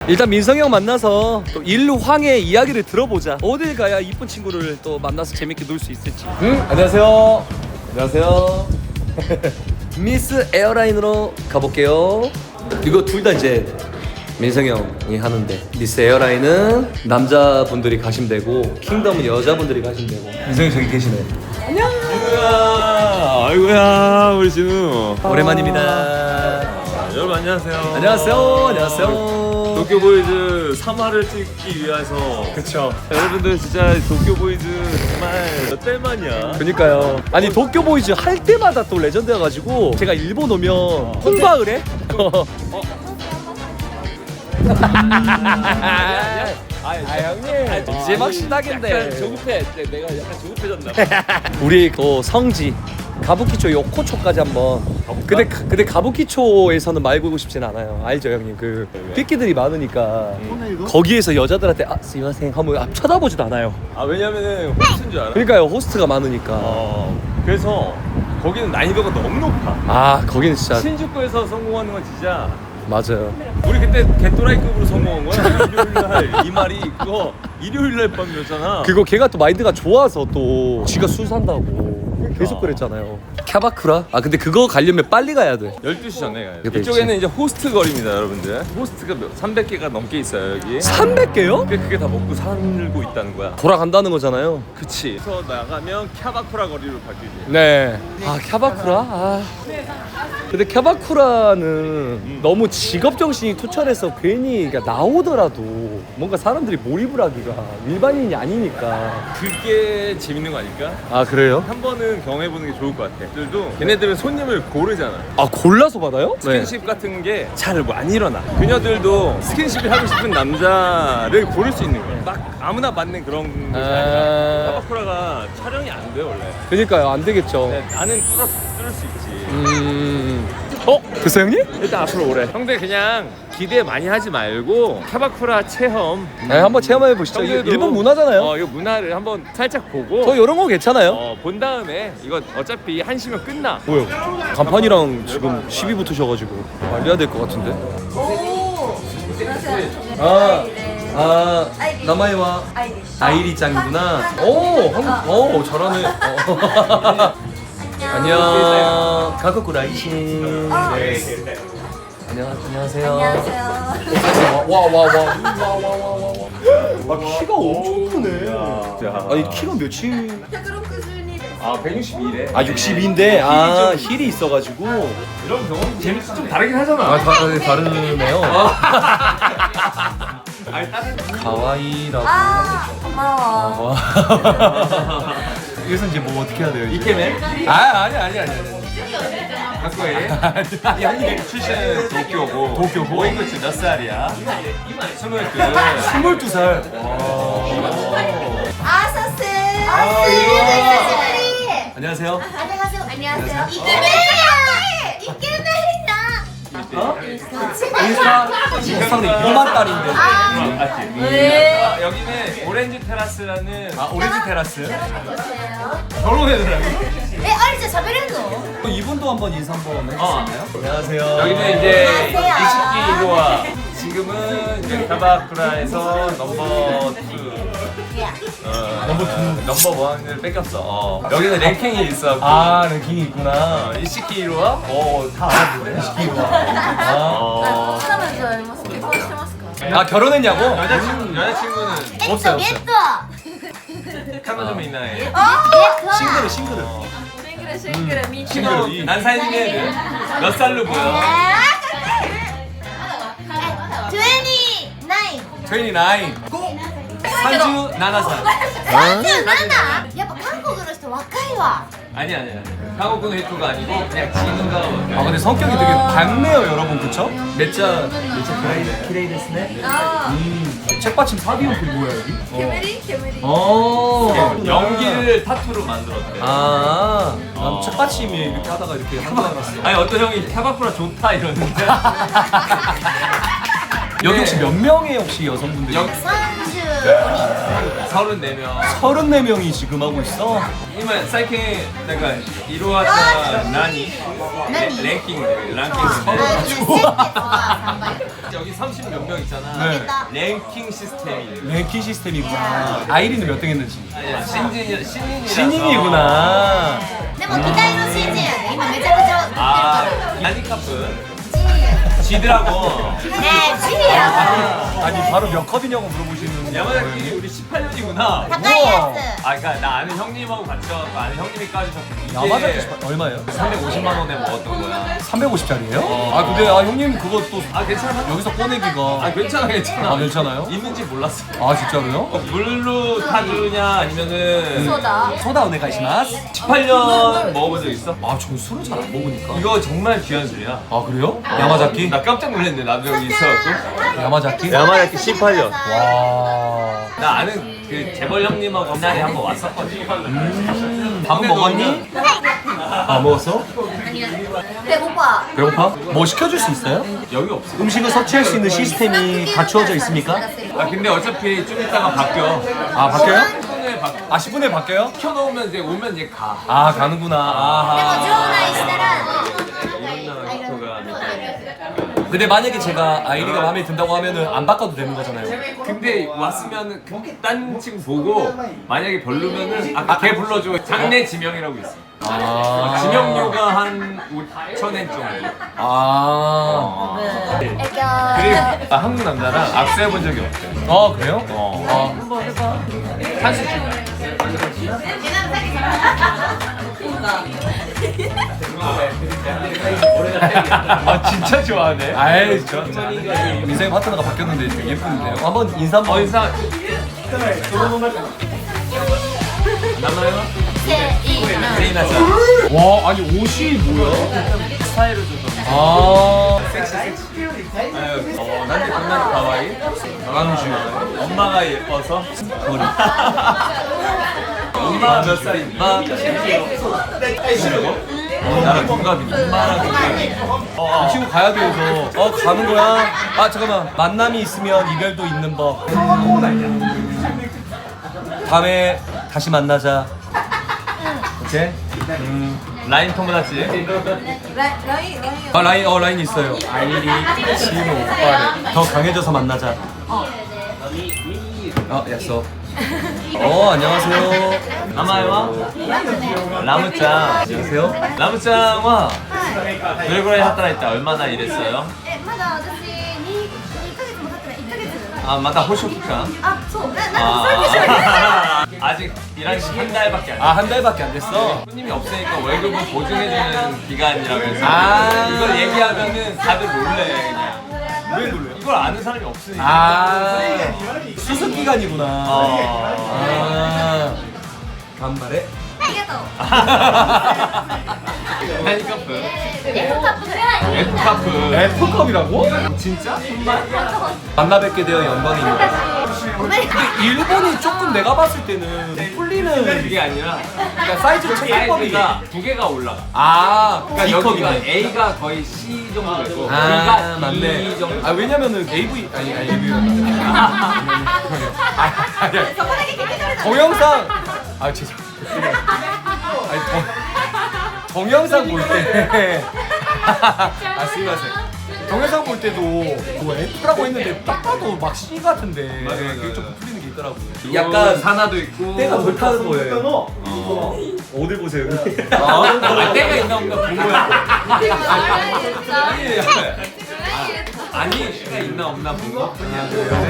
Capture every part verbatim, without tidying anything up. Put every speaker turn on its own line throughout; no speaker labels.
일단 민성이 형 만나서 또 일황의 이야기를 들어보자. 어딜 가야 이쁜 친구를 또 만나서 재밌게 놀 수 있을지. 응? 안녕하세요. 안녕하세요. 미스 에어라인으로 가볼게요. 이거 둘 다 이제 민성이 형이 하는데, 미스 에어라인은 남자분들이 가시면 되고 킹덤은 여자분들이 가시면 되고. 민성이 저기 계시네. 안녕.
아이고야, 아이고야, 우리 진우.
오랜만입니다.
여러분 안녕하세요.
안녕하세요. 안녕하세요.
도쿄보이즈 삼 화를 찍기 위해서.
그쵸.
여러분들 진짜 도쿄보이즈 정말 몇 달 만이야.
그니까요. 아니 도쿄보이즈 할 때마다 또 레전드여가지고 제가 일본 오면 홍보를 해? 아 형님 이제 막 시작인데.
약간 조급해. 내가 약간 조급해졌나.
우리 그 성지 가부키초 요코초까지 한번. 근데 가- 근데 가부키초에서는 말 걸고 싶진 않아요. 알죠 형님? 그 삐끼들이 많으니까 거기에서 여자들한테 아 스미마셍 하면 아, 쳐다보지도 않아요.
아 왜냐면은 호스트인 줄 알아?
그러니까요, 호스트가 많으니까.
어. 그래서 거기는 난이도가 너무 높아.
아 거기는 진짜
신주쿠에서 성공하는 건 진짜.
맞아요.
우리 그때 개또라이급으로 성공한 거야. 일요일 날 이 말이 그거 일요일 날 밤이었잖아.
그거 걔가 또 마인드가 좋아서 또 지가 술 산다고 계속 그랬잖아요. 캬바쿠라? 아 근데 그거 가려면 빨리 가야 돼.
열두 시 전에 가요.
그때
이쪽에는 이제 호스트 거리입니다, 여러분들. 호스트가 삼백 개가 넘게 있어요, 여기.
삼백 개요?
그게, 그게 다 먹고 살고 있다는 거야.
돌아간다는 거잖아요.
그치. 그래서 나가면 캬바쿠라 거리로 바뀌지.
네. 아 캬바쿠라? 아. 근데 캬바쿠라는 너무 직업 정신이 투철해서 괜히 그러니까 나오더라도 뭔가 사람들이 몰입을 하기가 일반인이 아니니까.
그게 재밌는 거 아닐까?
아 그래요?
한 번은 경험해보는 게 좋을 것 같아. 들도 걔네들은 손님을 고르잖아.
아 골라서 받아요?
스킨십 같은 게 잘 안 일어나. 그녀들도 스킨십을 하고 싶은 남자를 고를 수 있는 거야. 막 아무나 맞는 그런 것이 아니라.
아...
캬바쿠라가 촬영이 안 돼, 원래.
그러니까요, 안 되겠죠.
네, 나는 뚫을, 뚫을 수 있지.
음. 어? 됐어 형님?
일단 앞으로 오래. 형들 그냥 기대 많이 하지 말고 캬바쿠라 체험.
네, 한번 체험해 보시죠. 이게
형들도
일본 문화잖아요.
어, 이거 문화를 한번 살짝 보고.
저 이런 거 괜찮아요.
어, 본 다음에 이거 어차피 한 시면 끝나.
뭐요? 간판이랑 지금 시비 붙으셔가지고 말려야 될 것 같은데. 아, 아, 나마이와 아이리짱이구나. 오, 한국, 오, 잘하네. 어. 안녕, 가쿠쿠 라이신. 네. 안녕, 안녕하세요.
안녕하세요.
와, 와, 와, 와, 와, 와, 와, 와. 아, 키가 엄청 크네. 아니, 키가 몇이?
아, 백육십이래.
아, 육십이인데, 아, 힐이 있어가지고.
이런 경험 재밌어. 좀 다르긴 하잖아.
아, 다, 다르네요.
아니, 다른
가와이라고.
아, 고마워.
여기서 이제 뭐 어떻게 해야 돼요?
이케맨?
아, 아니, 아니, 아니.
학교에 형님 출신은 도쿄고
도쿄고?
오인구치 몇 살이야? 스물두.
스물두 살.
아서스.
아,
아서스.
안녕하세요.
안녕하세요. 안녕하세요. 이케맨. 이케맨이다.
어? 인스타, 인스타는 이만 달인데.
아,
네. 아, 여기는 오렌지 테라스라는
아, 오렌지 테라스.
결혼해더라고.
에, 어리자 자베르노.
이분도 한번 인사 한번 해주시나요?
어.
안녕하세요.
여기는 이제
안녕하세요.
이십기 일 호와 지금은 이제 캬바쿠라에서 넘버 투. 어, 넘버 투. 넘버 원을 뺏겼어. 어. 여기는 랭킹이 있어.
아, 랭킹이 있구나.
이십기 일 호와 어, 다 알아보네. 이십기 일 호와.
아,
어.
아 결혼했냐고?
여자친구, 여자친구는
없어요, 없어요.
또.
카노좀 있나요?
어?
싱글은 싱글은.
싱글. 난 사진에 몇 살로 보여?
이십구.
삼십구 살.
삼십칠. やっぱ韓国の人若いわ。
아니 아니 아니. 한국군 웨이터가 아니고 그냥 진우가.
아 근데 성격이 되게 밝네요 여러분, 그쵸? 몇자 몇자 키레이 키레이 데스네. 음 책받침 사비용 그 뭐야 여기?
煙煙。
어.
연기를 타투로 만들었대.
아, 난
어.
책받침이 이렇게 하다가 이렇게 한 줄 알았어.
아니 어떤 형이 캬바쿠라 좋다 이러는데.
여기 혹시 몇 명의 혹시 여성분들이?
영-
さんじゅうごにん。
서른네 명.
서른네 명이 지금 하고 있어.
今最近なんか色あった何
何
レンキングランキング
아, 근데先月はさんばい
여기 삼십 몇 명 있잖아.
네.
랭킹 시스템이.
랭킹 시스템이구나. 아이리는 몇 등 했는지.
아니야, 신진이 신인이라서.
신인이구나.
でも期待の新人やで今めちゃくちゃ売ってる
아
から
난이카프
ジ
지더라고.
ーねえジーや
아, 아니 바로 몇 컵이냐고 물어보시는
야마자키 우리 십팔 년이구나.
高いや
아 그러니까 나 아는 형님하고 같이 와서 아는 형님이 까주셨고 이게
야마자키 십팔 얼마예요?
삼백오십만 원에 먹었던 거야.
삼백오십짜리예요?
어.
아 근데 아 형님 그것도
아 괜찮아?
여기서 꺼내기가
아 괜찮아 괜찮아.
아, 괜찮아요?
있는지 몰랐어.
아 진짜로요?
어, 물로 타주냐 아니면은
そうだ
소다 오네가이시마스.
십팔 년 먹어본 적 있어?
아저 술을 잘 안 먹으니까.
이거 정말 귀한 술이야.
아 그래요? 야마자키?
나 깜짝 놀랐네 나도 여기 있어갖고.
야마자키?
야마자키 십팔 년.
와.
나 아는 그 재벌 형님하고 옛날에 한번 왔었거든.
음, 밥은 먹었니? 아 먹었어?
배고파
배고파? 뭐 시켜줄 수 있어요?
여기 없어.
음식을 섭취할 수 있는 시스템이 갖추어져 있습니까?
아 근데 어차피 좀 이따가 바뀌어.
아 바뀌어요?
십 분에 바
아 십 분에 바뀌어요?
켜놓으면 이제 오면 이제 가.
아 가는구나.
でも
아하.
場内したら
근데 만약에 제가 아이리가 마음에 든다고 하면은 안 바꿔도 되는 거잖아요.
근데 왔으면은 그 딴 친구 보고 만약에 별로면은 아까 걔 불러줘. 장례 지명이라고 있어.
아.
지명료가 한 오천엔 정도.
아.
애교
그리고 아, 한국 남자랑 악수해 본 적이 없대.
아 그래요?
어.
아.
한식 중이야. 아 진짜 좋아하네.
아이 저 인생 파트너가 바뀌었는데 되게 예쁜데요. 한번 인사 한번.
어 인사. 남아요? 세이나 씨.
와 아니 옷이 뭐야?
스타일을 좀.
아.
섹시 섹시. 아유, 어, 난데 겁나 가와이.
강주.
엄마가 예뻐서. 머리. 엄마가 몇 살인가? 어, 나랑 동갑이네. 엄마랑 동갑이. 어,
이 친구 가야 돼서. 어 가는 거야? 아 잠깐만 만남이 있으면 이별도 있는 법. 다음에 다시 만나자. 오케이. 음.
라인 토모다치.
아 라인 어 라인 있어요. 아이리 지금 오빠를 더 강해져서 만나자. 어 약속. 어 안녕하세요.
아마요? 라무짱.
안녕하세요.
라무짱は どれぐらい働いた? 얼마나 일했어요?
えまだ私ににかげつも経ってないいっかげつ
아, 맞다 호쇼 기간.
あそうななんかそういうことじゃない
아, 아직 일한 지 한 달밖에 안 됐어.
아 한 달밖에 안 됐어.
손님이 없으니까 월급을 보증해주는 기간이라고 해서
아.
이걸 얘기하면은 다들 놀래 그냥.
왜 놀래요?
이걸 아는 사람이 없으니까.
아 수습 기간이구나.
어.
아 간발에.
ありがとう
何カップ?
F カップぐらい
F카프.
F컵이라고?
진짜? 정말?
만나 뵙게 되어 영광입니다.
ごめん
근데 일본이 조금 내가 봤을 때는 풀리는
그게 아니라
그러니까 사이즈 체크법이
사이즈가 두 개가 올라가.
아
그러니까
이
여기가
컵이네.
A가 거의 C 정도 되고
아
B가
맞네.
D 정도.
아 왜냐면은 에이브이 아니 아니 에이브이 아니
そこだけ聞いてくれた
동영상 아 죄송 아니 동 동영상 볼때 아 스미마셍. 동영상 볼 때도 뭐 F라고 했는데 딱 봐도 막 C 같은데
맞아, 맞아,
그게
맞아.
조금 풀리는 게 있더라고.
약간 산화도 있고
때가 덜 타는 거예요.
어.
어딜 보세요?
아, 때가 있나 없나 본 거야. 아니, 아니, 때가 있나 없나 본 거? 그냥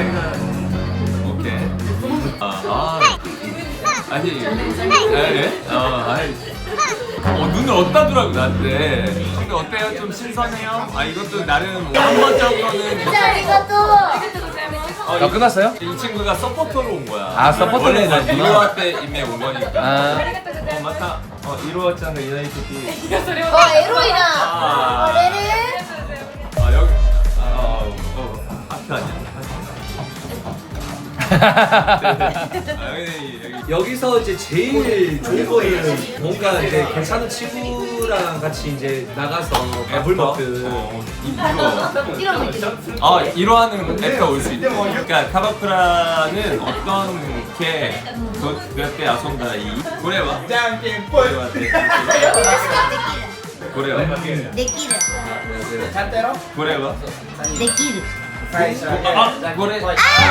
오케이. 아, 아. 아니, 예? 어, 아니. 어, 눈을 어디다 두라고 나한테. 근데 어때요? 좀 신선해요? 아, 이것도 나름 한 번적으로는
ありがとう
어,
아 끝났어요?
이 친구가 서포터로 온 거야.
아, 서포터로
원래
온
난
거구나.
이로와 때 임에 온 거니까.
아
어, 맞다. 어, 이로와 짱가 이나이 토끼.
あエロいな
아.
あれれ
아, 여기. 아, 어, 어, 하트 아니야? 아, 여기, 여기.
여기서 이제 제일 좋은 거는 뭔가 이제 괜찮은 친구를 친구랑 같이 이제 나가서 밥을 먹든
어, 이거.
이런 거 있죠.
아, 이러하는 애가 올 수 있대. 그러니까 카바쿠라는 어떤 게 그때 아손다 이 고래와 고래와 고래와
내끼를.
고래와
내끼를.
아, 고래.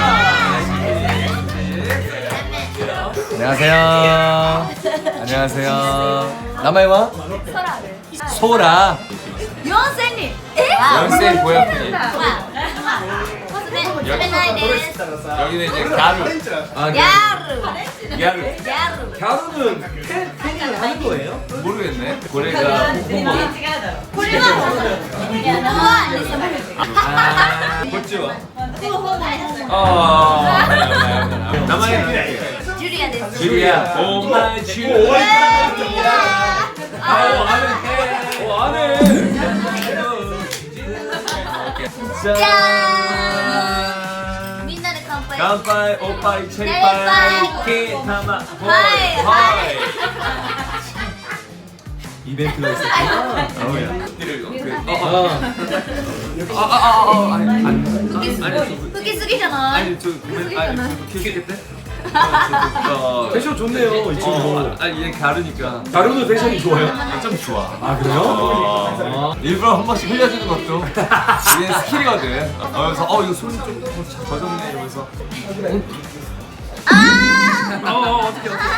안녕하세요. 안녕하세요. 나마이와
소라를.
소라.
연생님. 에?
연생 고양이. 여기는 이제 가루.
아,
야르.
야루.
야르.
가루는 팬 팬이 하는 거예요?
모르겠네. 고래가 홍보. 아, 고치와. 어. 나만의
주리아です.
주리야. 오 마이 주. 아, 아는. 오 아는. 짠.
みんなで乾杯.
乾杯、おっぱい、チェリパイ、ケータマ、ホイ、
はい
ホイ。
이벤트가 있었구나.
아, 아, 아, 아, 아니, 아니, 아니,
吹きすぎじゃない?
아니, 저, 아니, 저, 키우겠대? 어,
패션 좋네요, 이 친구.
어, 아니, 얘 가르니까.
가루도 패션이 좋아요?
아, 좀 좋아.
아, 그래요?
어, 일부러 한 번씩 흘려주는 것도 이게 스킬이거든. 어, 그래서 어 이거 손이 좀 젖었네 이러면서.
아!
어, 어 어떻게 어떻게.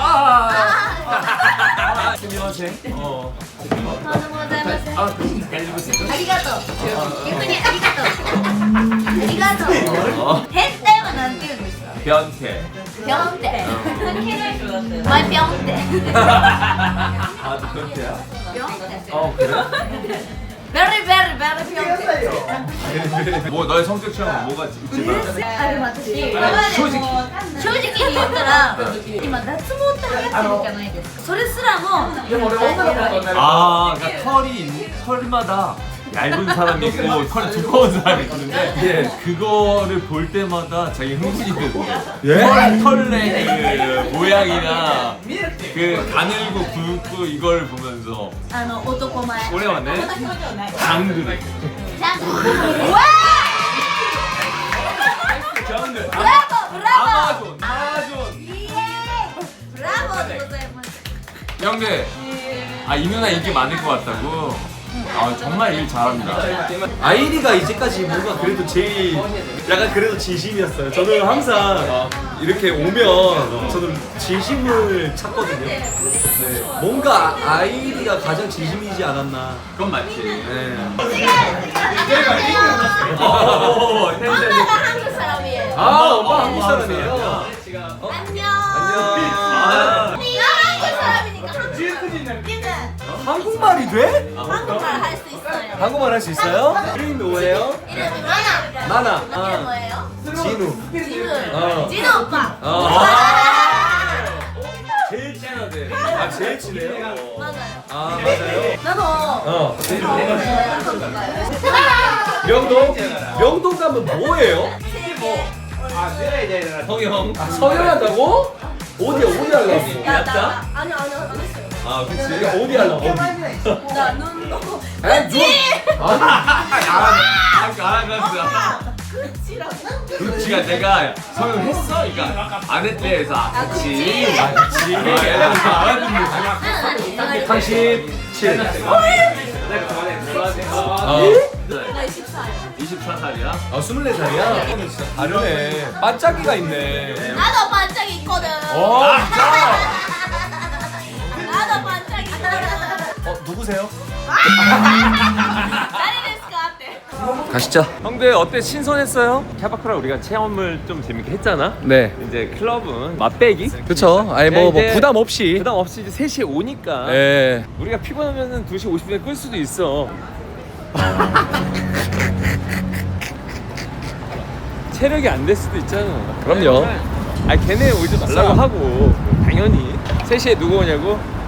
아, 스미마셍. 어.
とんでもございません.
아, 잘 입으세요.
ありがとう.逆にありがとう. ありがとう.
어,
変態はなんて言うんですか?
변태.
ぴょんって. 마이 ぴょんって.
아, 너 변태야?
ぴょんって.
어, 그래?
베리 베리 베리 ぴょんって.
뭐 너의 성적 취향은 뭐가 있지?
あでも私正直正直に言ったら今脱毛って流行ってるじゃないですか。それすらも
아, 그러니까 털이 있- 털마다 얇은 사람이 있고 털이 두꺼운 사람이 있는데
예.
그거를 볼 때마다 자기 흥분이 되거든요.
예?
털, 털의 그 모양이나 그 가늘고 굵고 이걸 보면서
あの男前。
오래 왔네. 장그래.
ちゃんと。うわ
장그.
ブラボーブラボー。
아마존. 아마존.
イエーイ。ブラボーでございます。
형들, 아 이 누나 인기 많을 것 같다고. 아 정말 일 잘합니다.
아이리가 이제까지 뭔가 그래도 제일 약간 그래도 진심이었어요. 저는 항상 이렇게 오면 저는 진심을 찾거든요. 네. 뭔가 아이리가 가장 진심이지 않았나.
그건 맞지.
네.
어, 어, 어,
엄마가 한국 사람이에요.
아, 엄마 한국 사람이에요.
안녕.
안녕.
아.
네가 한국 사람이니까 한국말.
한국말이 돼?
한국말 할 수 있어요.
한국말 할 수 있어요? 이름이 뭐예요?
이름이 마나.
나나.
이게
아,
뭐예요?
진우.
진우.
어.
진우 오빠.
어.
아.
제일 친하대. 아, 제일 친해요?
맞아요.
아, 맞아요.
나도
어.
한국 가요.
명동? 명동 가면 뭐예요?
성형.
아, 서열한다고? 어디 어디 하려고?
야, 나 아니 아니 안 했어요.
아 그치.
어디 하려고? 어디?
나 눈도.
아, 누?
아 알았어.
그치라고.
그치가 내가 성형했어? 그러니까 안 했대 해서 아 그치. 아 그치. 알아듣는
삼십칠.
어.
나 이십사 일.
이십사 살이야?
아, 스물네 살이야? 진짜 다르네. 반짝이가 있네.
나도 반짝이 있거든.
어, 진짜?
나도 반짝이 있거든.
어, 누구세요?
나리데스까って.
가시죠.
형들 어때? 신선했어요? 캐바크라 우리가 체험을 좀 재밌게 했잖아?
네.
이제 클럽은 맛배기?
그쵸. 아니, 뭐, 뭐,
이제
부담 없이.
부담 없이 이제 세 시에 오니까
예.
우리가 피곤하면은 두 시 오십 분에 끌 수도 있어. 체력이 안 될 수도 있잖아.
그럼요.
아 걔네 오지 말라고 하고 당연히 세 시에 누구 오냐고?